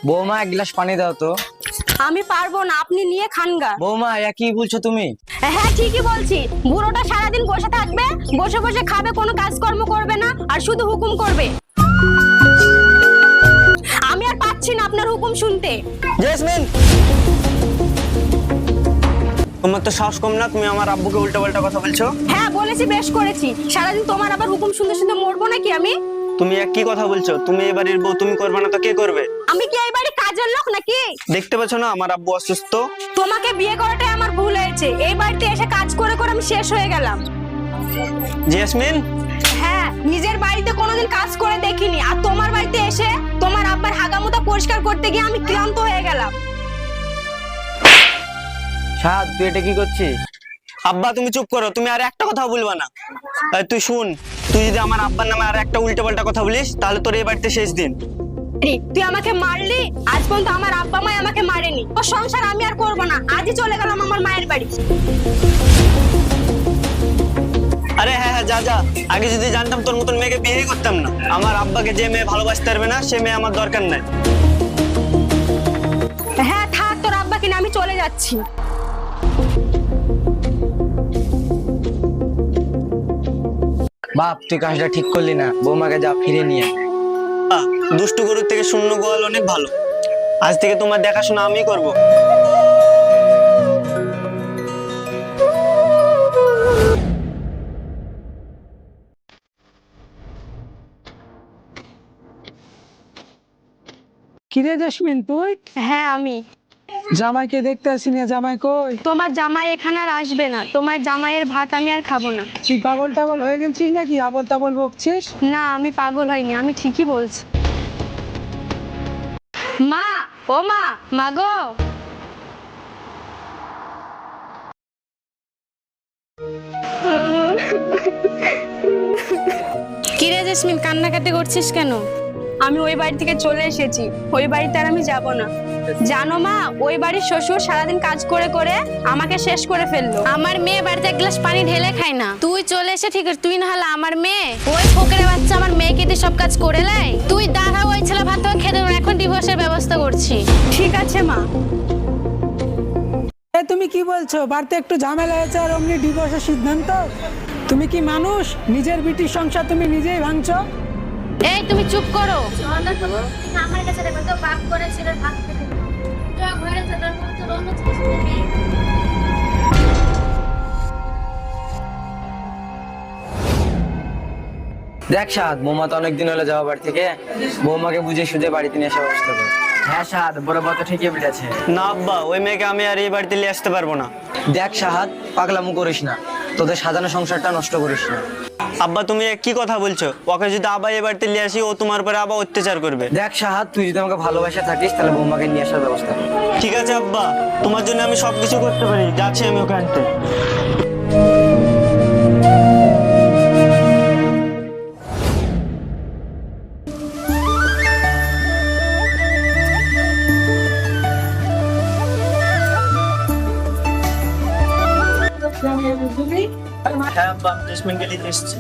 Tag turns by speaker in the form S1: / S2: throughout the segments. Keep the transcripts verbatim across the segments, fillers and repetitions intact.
S1: বৌমা এক গ্লাস পানি দাও তো।
S2: আমি পারবো না, আপনি নিয়ে খানগা।
S1: বৌমা কি বলছো তুমি?
S2: হ্যাঁ ঠিকই বলছি, বুড়োটা সারাদিন বসে থাকবে, বসে বসে খাবে, কোনো কাজকর্ম করবে না, আর শুধু হুকুম করবে। আমি আর পাচ্ছি না আপনার হুকুম শুনতে।
S3: জেসমিন, তোমার তো সাহস কম না, তুমি আমার আব্বুকে উল্টো পাল্টা কথা বলছো।
S2: হ্যাঁ বলেছি, বেশ করেছি। সারাদিন তোমার আবার হুকুম শুনতে শুনতে মরবো নাকি আমি?
S3: তুমি এক কি কথা বলছো? তুমি এই বাড়ির বউ, তুমি করবে না তো কে করবে?
S2: আমি কি এই বাড়ির কাজের লোক নাকি?
S3: দেখতে পাচ্ছ না আমার আব্বু অসুস্থ।
S2: তোমাকে বিয়ে করাটাই আমার ভুল হয়েছে, এই বাড়িতে এসে কাজ করে করে আমি শেষ হয়ে গেলাম।
S3: জেসমিন,
S2: হ্যাঁ, নিজের বাড়িতে কোনোদিন কাজ করে দেখিনি, আর তোমার বাড়িতে এসে তোমার আব্বার হাগামুতা পরিষ্কার করতে গিয়ে আমি ক্লান্ত হয়ে গেলাম।
S1: সাদ, তুই এটা কি করছিস?
S3: আব্বা তুমি চুপ করো, তুমি আর একটা কথা বলবা না। এই তুই শুন, তুই যদি আমার আব্বার নামে আর একটা উল্টো পাল্টা কথা বলিস তাহলে তোর এই বাড়িতে শেষ দিন।
S2: তুই আমাকে মারলি, আজ পর্যন্ত আমার আব্বা মা আমাকে মারেনি। ও সংসার আমি আর করবো না, আজই চলে গেলাম আমার মায়ের বাড়ি।
S3: আরে হ্যাঁ হ্যাঁ, যা যা। আগে যদি জানতাম তোর মতন মেয়েকে বিয়ে করতাম না। আমার আব্বাকে যে মেয়ে ভালোবাসতে পারবে না সে মেয়ে আমার দরকার নাই।
S2: হ্যাঁ থাক, তোর আব্বা কিনা, আমি চলে যাচ্ছি।
S1: বাপ, তুই কাজটা ঠিক করলি না, বৌমাকে যা ফিরে নিয়ে।
S3: আহ, দুষ্টু গরুর থেকে শূন্য গোয়াল অনেক ভালো। আজ থেকে তোমার দেখাশোনা আমি করব।
S4: কিরে জেসমিন, তুই?
S2: হ্যাঁ আমি।
S4: জামাইকে দেখতে আসি না, জামাই কই?
S2: তোমার জামাই এখানে আর আসবে না, তোমার জামাইয়ের ভাত আমি আর খাবো না।
S4: তুই পাগল টাগল হয়ে গেছিস নাকি? আবল তাবল বকছিস?
S2: না আমি পাগল হইনি, আমি ঠিকই বলছি। মা, ও মা, মা গো।
S5: কিরে জেসমিন, কান্নাকাটি করছিস কেন?
S2: আমি ওই বাড়ি থেকে চলে এসেছি, ওই বাড়িতে আর আমি যাব না। জানো মা, ওই বাড়ির শ্বশুর সারাদিন কাজ করে করে আমাকে শেষ করে ফেললো।
S5: আমার মেয়ে বাড়িতে এক গ্লাস পানি ঢেলে খায় না, তুই চলে এসে ঠিক আছে, তুই না হলে আমার মেয়ে, ওই ফোকরের বাচ্চা আমার মেয়েকে দিয়ে সব কাজ করে লাই। তুই দাঁড়া, ওই ছেলে ভাত খেতে দেবো না, এখন ডিভোর্সের ব্যবস্থা করছি।
S2: ঠিক আছে মা।
S4: এ তুমি কি বলছো? বাড়িতে একটু ঝামেলা হয়েছে আর অমনি ডিভোর্সের সিদ্ধান্ত? তুমি কি মানুষ? নিজের বিটির সংসার তুমি নিজেই ভাঙছো।
S5: এই তুমি চুপ করো।
S6: আমার কাছে দেখো তো, বাপ করে ছেলের ভাত খেতে দিল। তো ঘরে যেতে তো অন্য জিনিস নেই।
S1: দেখ সাদ, বৌমা তো অনেকদিন হলো যাওয়া বাড়ি থেকে, বৌমাকে বুঝে সুঝে বাড়িতে নিয়ে আসা ব্যবস্থা কর। হ্যাঁ সাদ, বড় বাবা তো ঠিকই বলেছে।
S3: না আব্বা, ওই মেয়েকে আমি আর এই বাড়িতে নিয়ে আসতে পারবো না।
S1: দেখ সাহাদ, পাগলামো করিস না, তোদের সাজানো সংসারটা নষ্ট করিস না।
S3: আব্বা তুমি কি কথা বলছো? ওকে যদি আবার এই বাড়িতে নিয়ে আসি ও তোমার উপরে আবার অত্যাচার করবে।
S1: দেখ সাহাদ, তুই যদি আমাকে ভালোবাসা থাকিস তাহলে বৌমাকে নিয়ে আসার ব্যবস্থা কর।
S3: ঠিক আছে আব্বা, তোমার জন্য আমি সবকিছু করতে পারি, যাচ্ছি আমি ওকে আনতে। হ্যাঁ আব্বা, আমি জেসমিনকে নিতে এসেছি।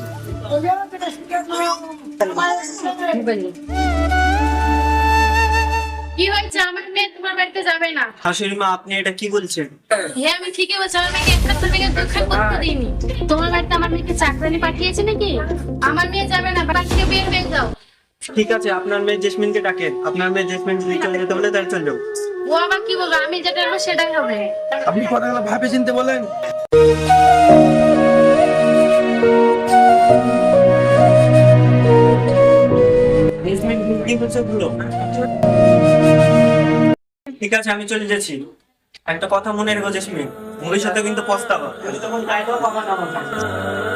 S5: কি হয়েছে? আমার মেয়ে তোমার বাড়িতে যাবে না।
S3: শাশুড়ি মা, আপনি এটা কি বলছেন?
S5: হ্যাঁ আমি ঠিকই বলছি, আমার মেয়েকে একটা থেকে দোকান করতে দিইনি। তোমার বাড়িতে আমার মেয়েকে চাকরানি পাঠিয়েছে নাকি? আমার মেয়ে যাবে না, বাড়ি থেকে বের হয়ে যাও।
S3: ঠিক আছে, আপনার মেয়ে জেসমিনকে ডাকেন। আপনার মেয়ে জেসমিন যদি চলে যেতে বলে তাহলে চলে যাও।
S5: ও আবার কি বলবো? আমি যেটা বলবো সেটাই হবে।
S4: আপনি কথাগুলো ভাবে চিনতে বলেন।
S3: জেসমিন কি বলছে বলো। ঠিক আছে, আমি চলে যাচ্ছি। একটা কথা মনে রেখো জেসমিন, ভবিষ্যতে কিন্তু পস্তাবা। তখন গায়ে দাও, বাবা না।